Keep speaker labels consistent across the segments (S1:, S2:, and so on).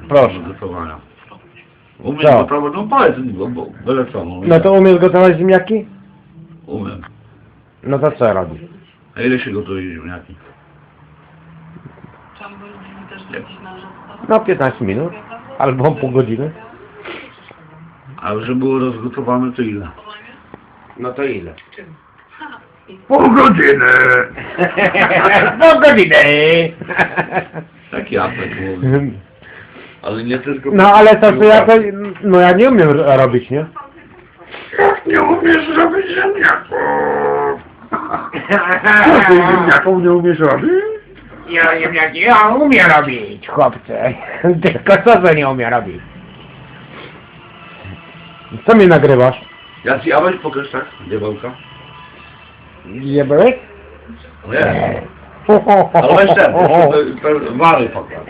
S1: Proszę.
S2: Gotowania. Umiem
S1: Co?
S2: gotować, no powiedz mi, bo byle co.
S1: No to umiesz gotować ziemniaki?
S2: Umiem.
S1: No to co robisz?
S2: A ile się gotuje ziemniaki?
S1: No 15 minut. Albo pół godziny.
S2: A żeby było rozgotowane, to ile?
S1: No to ile?
S2: Pół godziny!
S1: Pół godziny!
S2: Tak ja tak mówię. Ale nie tylko...
S1: No ale to ja to... No ja nie umiem robić, nie?
S2: Jak nie umiesz robić ziemniaków?
S1: Co ty
S2: ziemniaków nie umiesz robić?
S1: Ja umiem robić, chłopcze. Tylko co nie umiem robić? Co mnie nagrywasz?
S2: A weź pokaż tak, diabełka.
S1: Nie byłeś?
S2: Nie. Ale weź ten wary pokaż.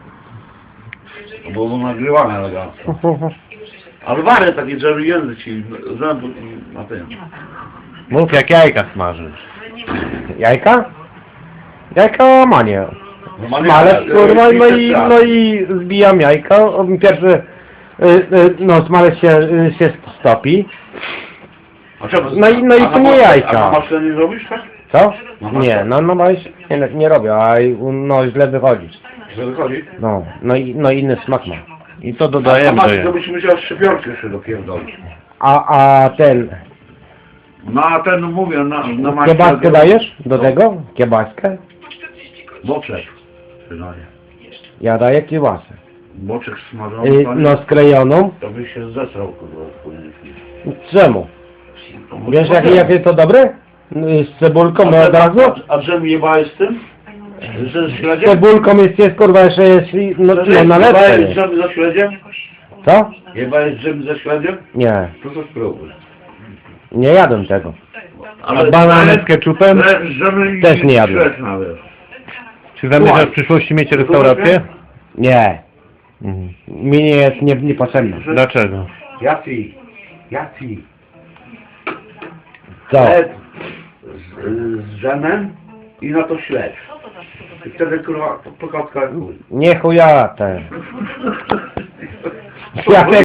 S2: Bo nagrywane elegancko. Ale wary takie, żeby język ci zęby na tym.
S1: Mów jak jajka smażysz. Jajka? Jajka manię. Smalec kurwa no i zbijam jajka. Pierwszy no smalec się stopi.
S2: A czemu?
S1: No i to nie jajka.
S2: A na masle nie zrobisz tak?
S1: Co? Nie, no nie robię, a no źle wychodzi.
S2: Że wychodzi?
S1: No inny smak ma. I to
S2: A
S1: dodajemy do
S2: to
S1: jajka.
S2: byś musiał szczepionkę jeszcze dopierdolić.
S1: A ten...
S2: No a ten mówię, na maśle...
S1: Kiełbaskę dajesz do tego? Kiełbaskę?
S2: Boczek. Przydaje.
S1: Ja daję kiełbasę.
S2: Boczek smażony, panie,
S1: No sklejoną.
S2: to byś się zesrał, kurwa, wpłynie.
S1: Czemu? Wiesz jakie to dobre? Z cebulką od razu?
S2: A dżem jebałeś z tym? Z
S1: Z
S2: śledziem?
S1: cebulką jest kurwa jeszcze jest no na lepsze.
S2: Jebałeś dżem ze śledziem?
S1: Co?
S2: Jebałeś dżem ze śledziem?
S1: Nie.
S2: To co spróbuj.
S1: Nie jadłem tego.
S2: Ale
S1: banany z ketchupem? Też nie jadłem.
S2: Śledź nawet.
S1: Czy zamierzasz w przyszłości mieć restaurację? Nie. Mi nie jest niepotrzebne. Dlaczego?
S2: Jacy?
S1: Co?
S2: Chleb z dżemem i na to śledź. I wtedy kurwa pokotka jak chuj.
S1: Nie chuja ten. Ja